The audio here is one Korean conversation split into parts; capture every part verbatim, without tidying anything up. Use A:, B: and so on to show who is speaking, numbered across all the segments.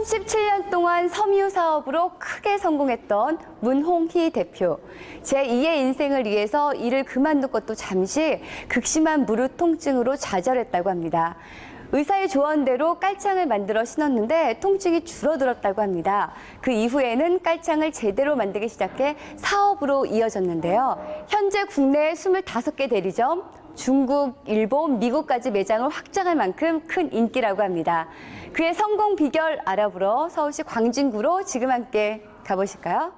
A: 삼십칠 년 동안 섬유 사업으로 크게 성공했던 문홍희 대표. 제이의 인생을 위해서 일을 그만둔 것도 잠시 극심한 무릎 통증으로 좌절했다고 합니다. 의사의 조언대로 깔창을 만들어 신었는데 통증이 줄어들었다고 합니다. 그 이후에는 깔창을 제대로 만들기 시작해 사업으로 이어졌는데요. 현재 국내 스물다섯 개 대리점, 중국, 일본, 미국까지 매장을 확장할 만큼 큰 인기라고 합니다. 그의 성공 비결 알아보러 서울시 광진구로 지금 함께 가보실까요?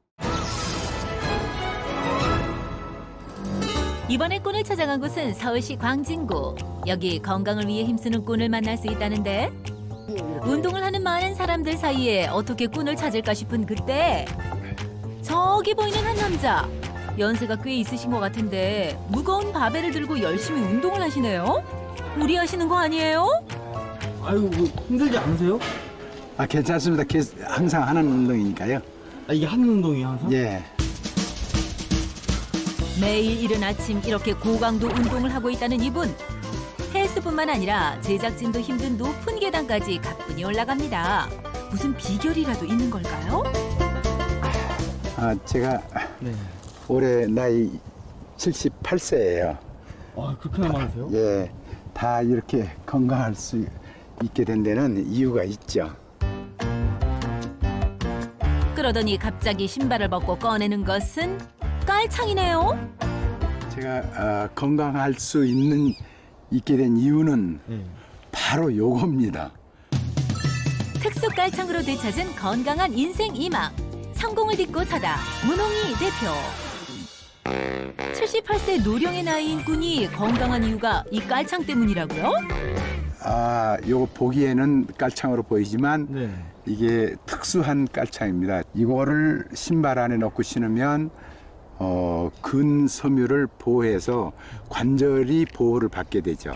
B: 이번에 꾼을 찾아간 곳은 서울시 광진구. 여기 건강을 위해 힘쓰는 꾼을 만날 수 있다는데 운동을 하는 많은 사람들 사이에 어떻게 꾼을 찾을까 싶은 그때 저기 보이는 한 남자. 연세가 꽤 있으신 것 같은데 무거운 바벨을 들고 열심히 운동을 하시네요. 무리하시는 거 아니에요?
C: 아유, 뭐 힘들지 않으세요?
D: 아, 괜찮습니다. 계- 항상 하는 운동이니까요.
C: 아, 이게 하는 운동이에요, 항상?
D: 예.
B: 매일 이른 아침 이렇게 고강도 운동을 하고 있다는 이분. 헬스뿐만 아니라 제작진도 힘든 높은 계단까지 가뿐히 올라갑니다. 무슨 비결이라도 있는 걸까요?
D: 아, 제가
C: 네.
D: 올해 나이 칠십팔 세예요.
C: 아, 그렇게나 많으세요?
D: 예. 다 이렇게 건강할 수 있게 된 데는 이유가 있죠.
B: 그러더니 갑자기 신발을 벗고 꺼내는 것은 깔창이네요.
D: 제가 아, 건강할 수 있는 있게 된 이유는
C: 네.
D: 바로 요겁니다.
B: 특수 깔창으로 되찾은 건강한 인생 이망. 성공을 딛고 서다 문홍희 대표. 칠십팔 세 노령의 나이인 꾼이 건강한 이유가 이 깔창 때문이라고요?
D: 아, 요거 보기에는 깔창으로 보이지만
C: 네.
D: 이게 특수한 깔창입니다. 이거를 신발 안에 넣고 신으면 어, 근섬유를 보호해서 관절이 보호를 받게 되죠.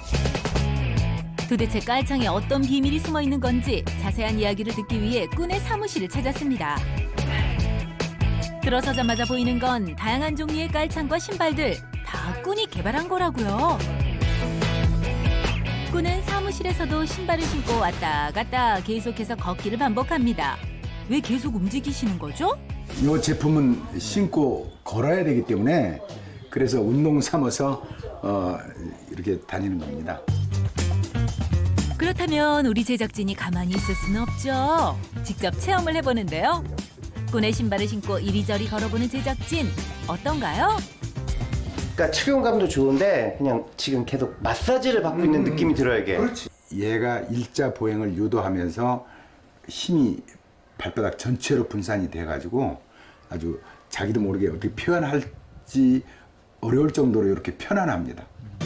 B: 도대체 깔창에 어떤 비밀이 숨어 있는 건지 자세한 이야기를 듣기 위해 꾼의 사무실을 찾았습니다. 들어서자마자 보이는 건 다양한 종류의 깔창과 신발들 다 꾼이 개발한 거라고요. 꾼은 사무실에서도 신발을 신고 왔다 갔다 계속해서 걷기를 반복합니다. 왜 계속 움직이시는 거죠?
D: 이 제품은 신고 걸어야 되기 때문에 그래서 운동 삼아서 어, 이렇게 다니는 겁니다.
B: 그렇다면 우리 제작진이 가만히 있을 수는 없죠. 직접 체험을 해보는데요. 꾼의 신발을 신고 이리저리 걸어보는 제작진 어떤가요?
E: 그러니까 착용감도 좋은데 그냥 지금 계속 마사지를 받고 있는 느낌이 들어요, 이게.
D: 그렇지. 얘가 일자 보행을 유도하면서 힘이 발바닥 전체로 분산이 돼가지고 아주 자기도 모르게 어떻게 표현할지 어려울 정도로 이렇게 편안합니다.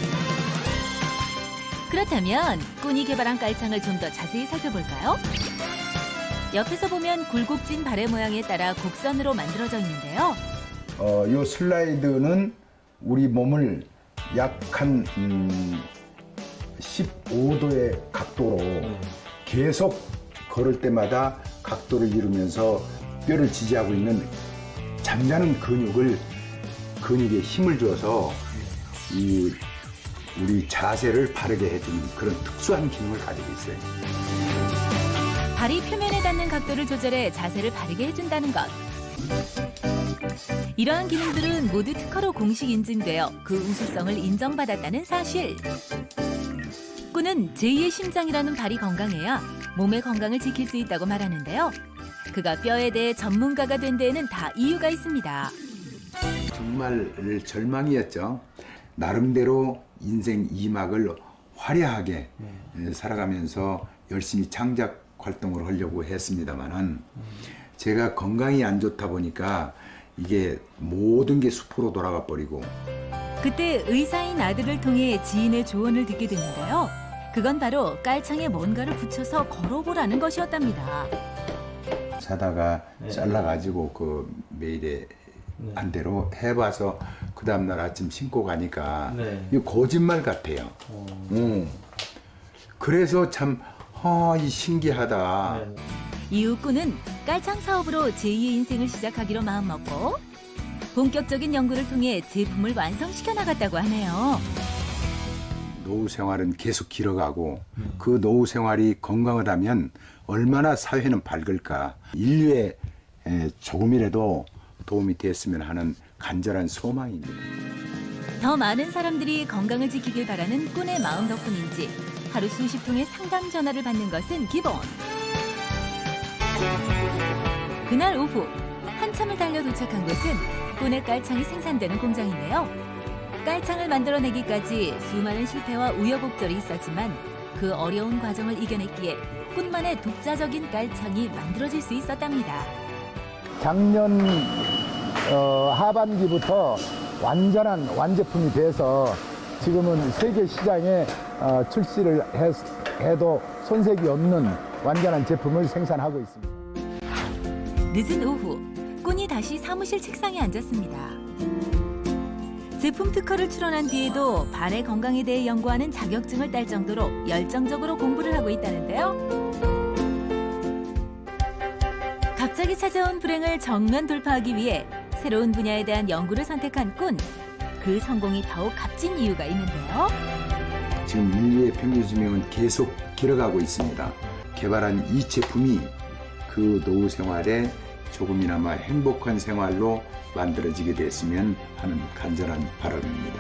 B: 그렇다면 꾼이 개발한 깔창을 좀 더 자세히 살펴볼까요? 옆에서 보면 굴곡진 발의 모양에 따라 곡선으로 만들어져 있는데요.
D: 어, 요 슬라이드는 우리 몸을 약 한 음, 십오 도의 각도로 계속 걸을 때마다 각도를 이루면서 뼈를 지지하고 있는 잠자는 근육을 근육에 힘을 줘서 이 우리 자세를 바르게 해주는 그런 특수한 기능을 가지고 있어요.
B: 발이 표면에 닿는 각도를 조절해 자세를 바르게 해준다는 것. 이러한 기능들은 모두 특허로 공식 인증되어 그 우수성을 인정받았다는 사실. 꾼은 제이의 심장이라는 발이 건강해야 몸의 건강을 지킬 수 있다고 말하는데요. 그가 뼈에 대해 전문가가 된 데에는 다 이유가 있습니다.
D: 정말 절망이었죠. 나름대로 인생 이 막을 화려하게 살아가면서 열심히 창작 활동을 하려고 했습니다만은 제가 건강이 안 좋다 보니까 이게 모든 게 수포로 돌아가 버리고.
B: 그때 의사인 아들을 통해 지인의 조언을 듣게 됐는데요. 그건 바로 깔창에 뭔가를 붙여서 걸어보라는 것이었답니다.
D: 사다가
C: 네.
D: 잘라가지고 그 매일에
C: 네.
D: 안 대로 해봐서 그 다음날 아침 신고 가니까
C: 네.
D: 이거 거짓말 같아요.
C: 어.
D: 음. 그래서 참 아, 이 신기하다.
C: 네.
B: 이후 꾼은 깔창 사업으로 제이의 인생을 시작하기로 마음먹고 본격적인 연구를 통해 제품을 완성시켜 나갔다고 하네요.
D: 노후 생활은 계속 길어가고 그 노후 생활이 건강하다면 얼마나 사회는 밝을까. 인류에 에, 조금이라도 도움이 됐으면 하는 간절한 소망입니다.
B: 더 많은 사람들이 건강을 지키길 바라는 꾼의 마음 덕분인지 하루 수십 통의 상담 전화를 받는 것은 기본. 그날 오후 한참을 달려 도착한 곳은 꾼의 깔창이 생산되는 공장인데요. 깔창을 만들어내기까지 수많은 실패와 우여곡절이 있었지만 그 어려운 과정을 이겨냈기에 꾼만의 독자적인 깔창이 만들어질 수 있었답니다.
F: 작년 어, 하반기부터 완전한 완제품이 돼서 지금은 세계 시장에 어, 출시를 해, 해도 손색이 없는 완전한 제품을 생산하고 있습니다.
B: 늦은 오후 꾼이 다시 사무실 책상에 앉았습니다. 제품 특허를 출원한 뒤에도 발의 건강에 대해 연구하는 자격증을 딸 정도로 열정적으로 공부를 하고 있다는데요. 갑자기 찾아온 불행을 정면 돌파하기 위해 새로운 분야에 대한 연구를 선택한 꾼. 그 성공이 더욱 값진 이유가 있는데요.
D: 지금 인류의 평균 수명은 계속 길어가고 있습니다. 개발한 이 제품이 그 노후 생활에 조금이나마 행복한 생활로 만들어지게 됐으면 하는 간절한 바람입니다.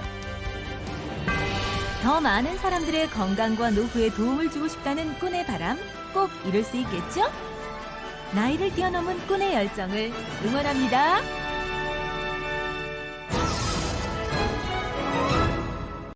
B: 더 많은 사람들의 건강과 노후에 도움을 주고 싶다는 꾼의 바람 꼭 이룰 수 있겠죠? 나이를 뛰어넘은 꾼의 열정을 응원합니다.